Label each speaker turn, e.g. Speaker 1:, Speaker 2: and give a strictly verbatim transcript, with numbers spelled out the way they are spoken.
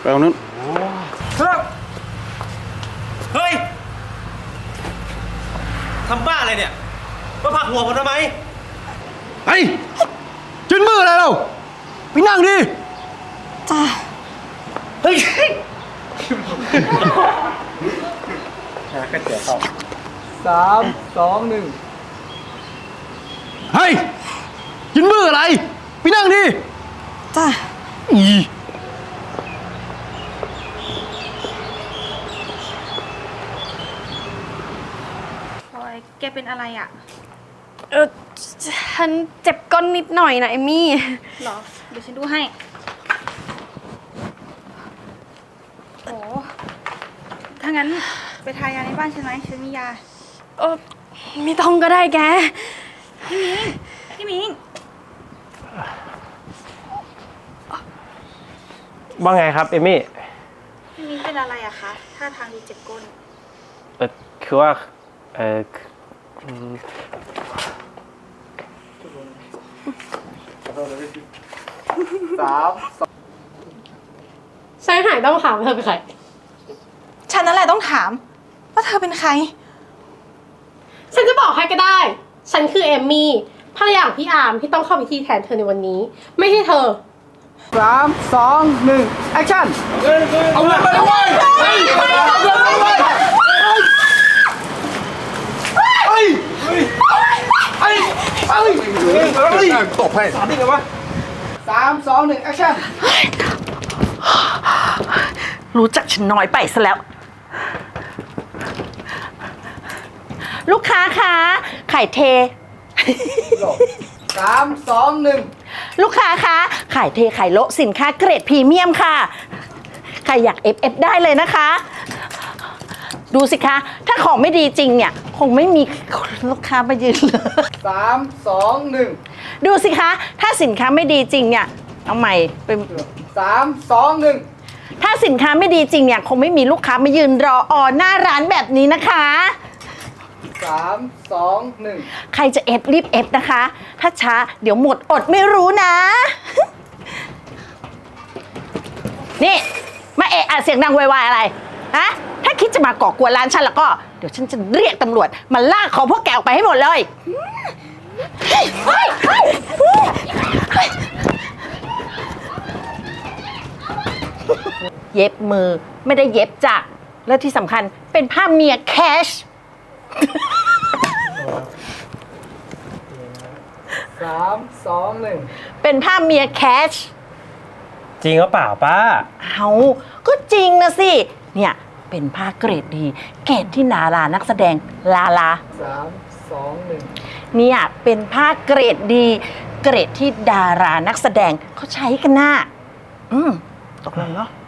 Speaker 1: ไปเอานู้น
Speaker 2: เฮ้ยทำบ้าอะไรเนี่ยมาผลักหัวผมทำไม
Speaker 1: ไอ้จิ้นมืออะไรเราไปนั่งดิ
Speaker 3: จ้า
Speaker 2: เฮ้ยชาก็เจ๋อเข้า
Speaker 4: สามสองหนึ่ง
Speaker 1: เฮ้ยจิ้นมืออะไรไปนั่งดิ
Speaker 3: จ้า
Speaker 1: อี
Speaker 5: พลอยแกเป็นอะไรอ่ะ
Speaker 3: เออฉันเจ็บก้นนิดหน่อยนะเอมี่
Speaker 5: หรอเดี๋ยวฉันดูให้โอ้ถ้างั้นไปทายาในบ้านฉันไหมฉันมียา
Speaker 3: เออไม่ต้องก็ได้แก
Speaker 5: พี่มิงพี่มิง
Speaker 2: ว่าไงครับเอมี่
Speaker 5: พี่มิงเป็นอะไรอะคะท่าทางดูเจ็บก้น
Speaker 2: เออคือว่าเออ
Speaker 4: สามสอง
Speaker 6: ฉันหายต้องถามเธอเป็นใคร
Speaker 3: ฉันนั่นแหละต้องถามว่าเธอเป็นใคร
Speaker 6: ฉันจะบอกให้ก็ได้ฉันคือเอมมี่ภรรยาของพี่อาร์มที่ต้องเข้าพิธีแทนเธอในวันนี้ไม่ใช่เธอ
Speaker 4: สามสองหนึ่งแอคชั่น
Speaker 1: เอาเงินไปเลยเฮ้ยเอาเงินไปเลยเฮ้ยเฮ้ยเฮ้ยเฮ้ยเฮ้ยตบให้
Speaker 4: สามที่ไงวะสามสองหนึ่งแอคชั่น
Speaker 7: รู้จักฉันน้อยไปซะแล้วลูกค้าคะไข่เท
Speaker 4: สามสองหนึ่ง
Speaker 7: ลูกค้าคะไข่เทไข่โละสินค้าเกรดพรีเมียมค่ะใครอยาก เอฟ เอฟ ได้เลยนะคะดูสิคะถ้าของไม่ดีจริงเนี่ยคงไม่มีลูกค้ามายืนเลย
Speaker 4: สามสองหนึ่ง
Speaker 7: ดูสิคะถ้าสินค้าไม่ดีจริงเนี่ยเอาใหม่เป็น
Speaker 4: สามสองหนึ่ง
Speaker 7: ถ้าสินค้าไม่ดีจริงเนี่ยคงไม่มีลูกค้ามายืนรอออหน้าร้านแบบนี้นะคะ
Speaker 4: สามสองหนึ่ง
Speaker 7: ใครจะเอฟรีบเอฟนะคะถ้าช้าเดี๋ยวหมดอดไม่รู้นะนี่มาเอะอะเสียงดังวายๆอะไรฮะถ้าคิดจะมาก่อกวนร้านฉันแล้วก็เดี๋ยวฉันจะเรียกตำรวจมาลากของพวกแกออกไปให้หมดเลยเย็บมือไม่ได้เย็บจ้ะและที่สำคัญเป็นผ้าเมียแคช
Speaker 4: สามสองหนึ่ง
Speaker 7: เป็นผ้าเมียแคช
Speaker 2: จริงหรือเปล่าป้า
Speaker 7: เอาก็จริงนะสิเนี่ยเป็นผ้าเกรดดีเกรดที่นารานักแสดงลาลา
Speaker 4: สามสองหนึ่ง
Speaker 7: เนี่ยเป็นผ้าเกรดดีเกรดที่ดารานักแสดงเขาใช้กันน่ะอืมตกลงเนาะ